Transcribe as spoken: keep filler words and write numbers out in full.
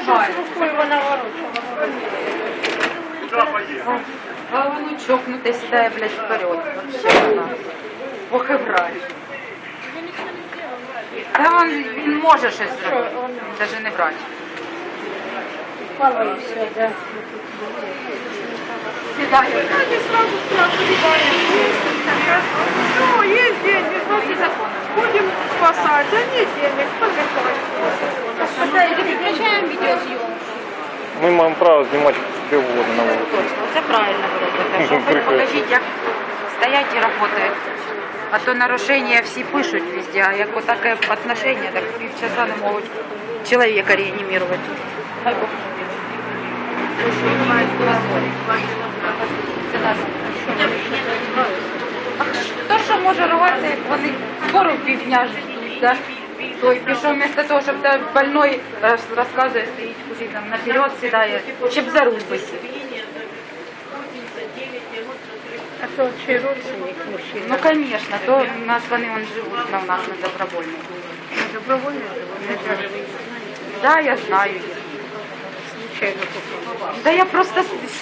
помогает. Рукой вона ворочала. А воно чокнуте сідає, блядь, вперед. Вообще вона. Ох і врач. Та він, він може щось зробити. Навіть не врач. Мало і все, да. Сідає. Они сразу спрашивают, ну, есть деньги, значит, будем спасать, а нет денег, помешать. Прекращаємо відеозйомку. Ми маємо право знімати де угодно на вулиці. Точно, це правильно ви робите. Що хоч покажіть, як стоять і працюють. А то нарушення всі пишуть везде, а як отаке отношення, так півчаса не можуть чоловіка реанімувати. Хай Бог. Хто що може рватися, як вони скоро півдня ждуть, да? Той пішов вместо того, щоб та больной роз- розказує, стоїть куди там наперед сідає, щоб за руль би сів. А то чи родственник мужчина? Ну, конечно, то у нас вони вон живуть на у нас на добровольному. Добровольно живуть? Да, я знаю. Случайно попала. Да я просто